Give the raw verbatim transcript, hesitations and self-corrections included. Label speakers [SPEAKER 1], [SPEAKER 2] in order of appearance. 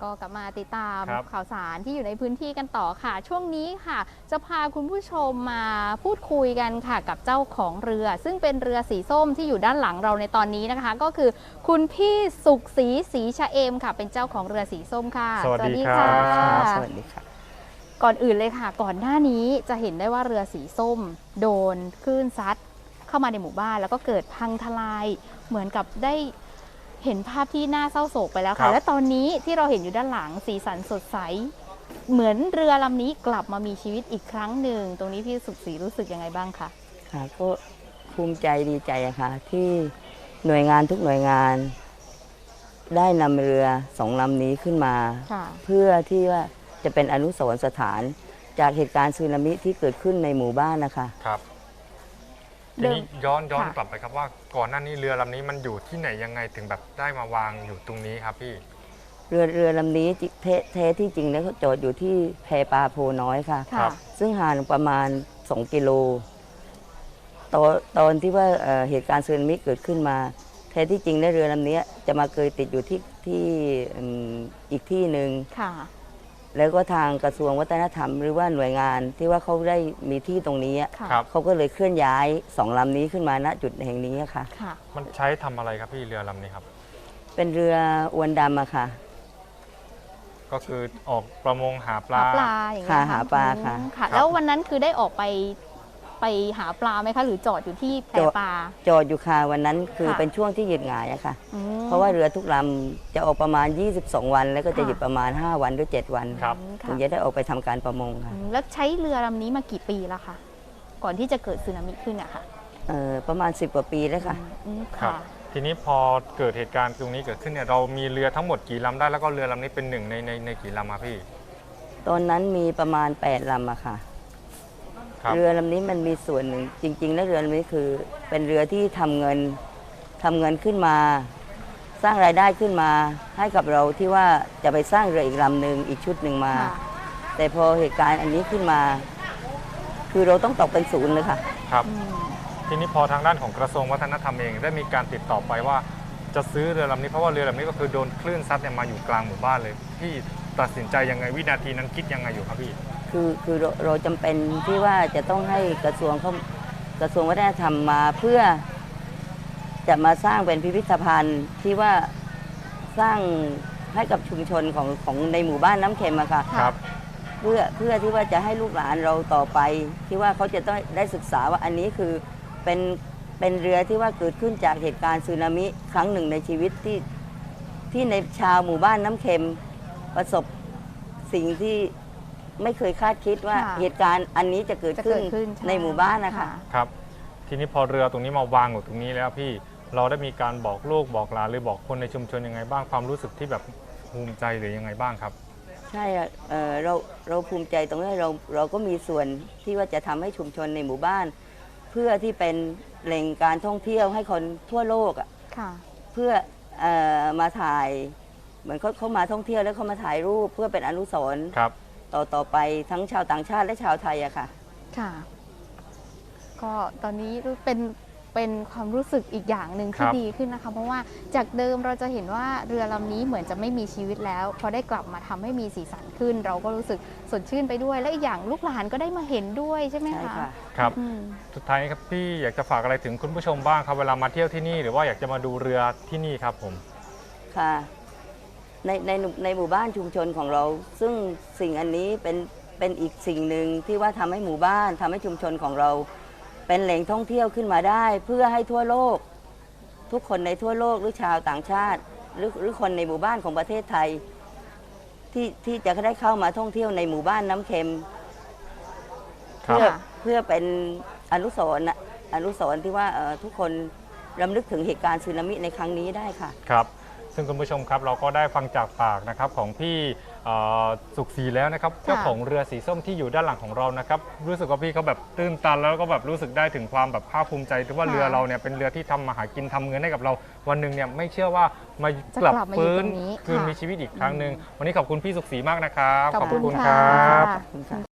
[SPEAKER 1] ก็กลับมาติดตามข่าวสารที่อยู่ในพื้นที่กันต่อค่ะช่วงนี้ค่ะจะพาคุณผู้ชมมาพูดคุยกันค่ะกับเจ้าของเรือ ซึ่งเป็นเรือสีส้มที่อยู่ด้านหลังเราในตอนนี้นะคะ ก็คือคุณพี่สุขศรีศรีชะเอมค่ะเป็นเจ้าของเรือสีส้มค่ะ
[SPEAKER 2] สวัสดีค่ะ
[SPEAKER 1] สวัสดีค่ะก่อนอื่นเลยค่ะก่อนหน้านี้จะเห็นได้ว่าเรือสีส้มโดนคลื่นซัดเข้ามาในหมู่บ้านแล้วก็เกิดพังทลายเหมือนกับได้เห็นภาพที่น่าเศร้าโศกไปแล้วค่ะและตอนนี้ที่เราเห็นอยู่ด้านหลังสีสันสดใสเหมือนเรือลำนี้กลับมามีชีวิตอีกครั้งหนึ่งตรงนี้พี่สุขศรีรู้สึกยังไงบ้างคะ
[SPEAKER 3] ค่ะก็ภูมิใจดีใจอะค่ะที่หน่วยงานทุกหน่วยงานได้นำเรือสองลำนี้ขึ้นมาเพื่อที่ว่าจะเป็นอนุสรณ์สถานจากเหตุการณ์สึนามิที่เกิดขึ้นในหมู่บ้านนะคะ
[SPEAKER 2] ครับทีนี้ย้อนย้อนกลับไปครับว่าก่อนหน้านี้เรือลำนี้มันอยู่ที่ไหนยังไงถึงแบบได้มาวางอยู่ตรงนี้ครับพี่
[SPEAKER 3] เรือเรือลำนี้แท้ที่จริงแล้วเขาจอดอยู่ที่แพปลาโพน้อยค่ะซึ่งห่างประมาณสองกิโลตอนตอนที่ว่าเหตุการณ์สึนามิเกิดขึ้นมาแท้ที่จริงแล้วเรือลำนี้จะมาเคยติดอยู่ที่ที่อีกที่หนึ่งแล้วก็ทางกระทรวงวัฒนธรรมหรือว่าหน่วยงานที่ว่าเขาได้มีที่ตรงนี้เขาก็เลยเคลื่อนย้ายสองลำนี้ขึ้นมาณจุดแห่งนี้ค่ะ
[SPEAKER 2] มันใช้ทำอะไรครับพี่เรือลำนี้ครับ
[SPEAKER 3] เป็นเรืออวนดำอะค่ะ
[SPEAKER 2] ก็คือออกประมงหาปลา
[SPEAKER 1] หาปลาอย่างเงี้ย
[SPEAKER 3] หาปลาค่ะ
[SPEAKER 1] แล้ววันนั้นคือได้ออกไปไปหาปลาไหมคะหรือจอดอยู่ที่แพปลา
[SPEAKER 3] จอดอยู่ค่ะวันนั้นคือเป็นช่วงที่หยุดงายอะค่ะเพราะว่าเรือทุกลำจะออกประมาณยี่สิบสองวันแล้วก็จะหยุดประมาณห้าวันหรือเจ็ดวันถึงจะได้ออกไปทำการประมงค่ะ
[SPEAKER 1] แล้วใช้เรือลำนี้มากี่ปีแล้วคะก่อนที่จะเกิดสึนามิขึ้นอะค่ะ
[SPEAKER 3] ประมาณสิบกว่าปีแล้วค่ะ
[SPEAKER 2] ครับทีนี้พอเกิดเหตุการณ์ตรงนี้เกิดขึ้นเนี่ยเรามีเรือทั้งหมดกี่ลำได้แล้วก็เรือลำนี้เป็นหนึ่งในในในกี่ลำครับพี่
[SPEAKER 3] ตอนนั้นมีประมาณแปดลำอะค่ะเรือลำนี้มันมีส่วนหนึ่งจริงๆแล้วเรือลำนี้คือเป็นเรือที่ทำเงินทำเงินขึ้นมาสร้างรายได้ขึ้นมาให้กับเราที่ว่าจะไปสร้างเรืออีกลำหนึ่งอีกชุดหนึ่งมาแต่พอเหตุการณ์อันนี้ขึ้นมาคือเราต้องตกเป็นศูนย์เลยค่ะ
[SPEAKER 2] ครับทีนี้พอทางด้านของกระทรวงวัฒนธรรมเองได้มีการติดต่อไปว่าจะซื้อเรือลำนี้เพราะว่าเรือลำนี้ก็คือโดนคลื่นซัดเนี่ยมาอยู่กลางหมู่บ้านเลยพี่ตัดสินใจยังไงวินาทีนั้นคิดยังไงอยู่ครับพี่
[SPEAKER 3] คือคือเราเราจำเป็นที่ว่าจะต้องให้กระทรวงเขากระทรวงวัฒนธรรมมาเพื่อจะมาสร้างเป็นพิพิธภัณฑ์ที่ว่าสร้างให้กับชุมชนของของในหมู่บ้านน้ำเค็มอะค่ะ
[SPEAKER 2] ครับ
[SPEAKER 3] เพื่อเพื่อที่ว่าจะให้ลูกหลานเราต่อไปที่ว่าเขาจะต้องได้ศึกษาว่าอันนี้คือเป็นเป็นเรือที่ว่าเกิดขึ้นจากเหตุการณ์สึนามิครั้งหนึ่งในชีวิตที่ที่ในชาวหมู่บ้านน้ำเค็มประสบสิ่งที่ไม่เคยคาดคิดว่าเหตุการณ์อันนี้จะเกิดขึ้นในหมู่บ้านนะคะ
[SPEAKER 2] ครับทีนี้พอเรือตรงนี้มาวางอยู่ตรงนี้แล้วพี่เราได้มีการบอกลูกบอกหลานหรือบอกคนในชุมชนยังไงบ้างความรู้สึกที่แบบภูมิใจหรือยังไงบ้างครับ
[SPEAKER 3] ใช่เอ่อเราเราภูมิใจตรงนี้เราเราก็มีส่วนที่ว่าจะทำให้ชุมชนในหมู่บ้านเพื่อที่เป็นแหล่งการท่องเที่ยวให้คนทั่วโลกอ่ะเพื่อเอ่อมาถ่ายเหมือนเขาเขามาท่องเที่ยวแล้วเขามาถ่ายรูปเพื่อเป็นอนุสรณ์ต่อต่อไปทั้งชาวต่างชาติและชาวไทยอะค่ะ
[SPEAKER 1] ค่ะก็ตอนนี้เป็นเป็นความรู้สึกอีกอย่างหนึ่งที่ดีขึ้นนะคะเพราะว่าจากเดิมเราจะเห็นว่าเรือลำนี้เหมือนจะไม่มีชีวิตแล้วพอได้กลับมาทำให้มีสีสันขึ้นเราก็รู้สึกสดชื่นไปด้วยและอีกอย่างลูกหลานก็ได้มาเห็นด้วยใช่ไหมคะ
[SPEAKER 2] ครับสุดท้ายครับพี่อยากจะฝากอะไรถึงคุณผู้ชมบ้างครับเวลามาเที่ยวที่นี่หรือว่าอยากจะมาดูเรือที่นี่ครับผม
[SPEAKER 3] ค่ะในในในหมู่บ้านชุมชนของเราซึ่งสิ่งอันนี้เป็นเป็นอีกสิ่งหนึ่งที่ว่าทำให้หมู่บ้านทำให้ชุมชนของเราเป็นแหล่งท่องเที่ยวขึ้นมาได้เพื่อให้ทั่วโลกทุกคนในทั่วโลกหรือชาวต่างชาติหรือหรือคนในหมู่บ้านของประเทศไทยที่ที่จะได้เข้ามาท่องเที่ยวในหมู่บ้านน้ำเค็มเพื่อเพื่อเป็นอนุสรณ์อนุสรณ์ที่ว่าทุกคนรำลึกถึงเหตุการณ์สึนามิในครั้งนี้ได้ค่ะ
[SPEAKER 2] ครับซึ่งคุณผู้ชมครับเราก็ได้ฟังจากปากนะครับของพี่สุขศรีแล้วนะครับเจ้าของเรือสีส้มที่อยู่ด้านหลังของเรานะครับรู้สึกว่าพี่เขาแบบตื้นตันแล้วก็แบบรู้สึกได้ถึงความแบบภาคภูมิใจที่ว่าเรือเราเนี่ยเป็นเรือที่ทำมาหากินทำเงินให้กับเราวันหนึ่งเนี่ยไม่เชื่อว่ามากลับฟื้นคืนมีชีวิตอีกครั้งหนึ่งวันนี้ขอบคุณพี่สุขศรีมากนะครับ
[SPEAKER 1] ขอบคุณครับ